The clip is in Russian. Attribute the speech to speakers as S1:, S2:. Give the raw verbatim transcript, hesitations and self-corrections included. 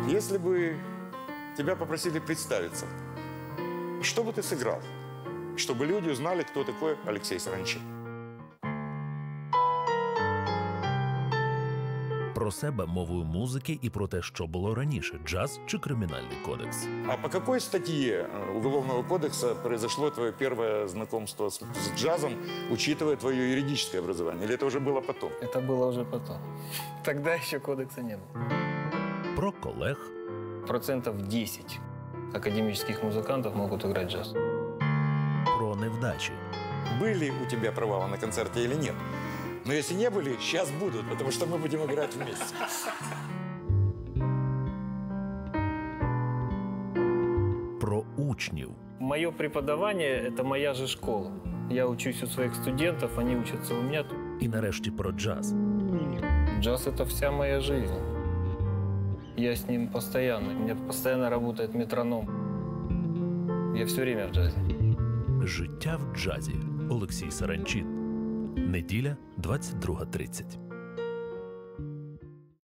S1: Если бы тебя попросили представиться, что бы ты сыграл, чтобы люди узнали, кто такой Олексій Саранчин?
S2: Про себе мовою музики і про те, що було раніше – джаз чи кримінальний кодекс.
S1: А по какой статье Уголовного кодекса произошло твое первое знакомство с, с джазом, учитывая твое юридическое образование? Или это уже было потом?
S3: Это было уже потом. Тогда еще кодекса не было.
S2: Про колег.
S3: Процентов десять академических музыкантов могут играть джаз.
S2: Про невдачі.
S1: Были у тебя провалы на концерте или нет? Но если не были, сейчас будут, потому что мы будем играть вместе.
S2: Про учнів.
S3: Мое преподавание – это моя же школа. Я учусь у своих студентов, они учатся у меня.
S2: І нарешті про джаз.
S3: Джаз – это вся моя жизнь. Я с ним постоянно. У меня постоянно работает метроном. Я все время в джазе.
S2: Життя в джазі. Олексій Саранчин. Неділя, двадцять друга тридцять.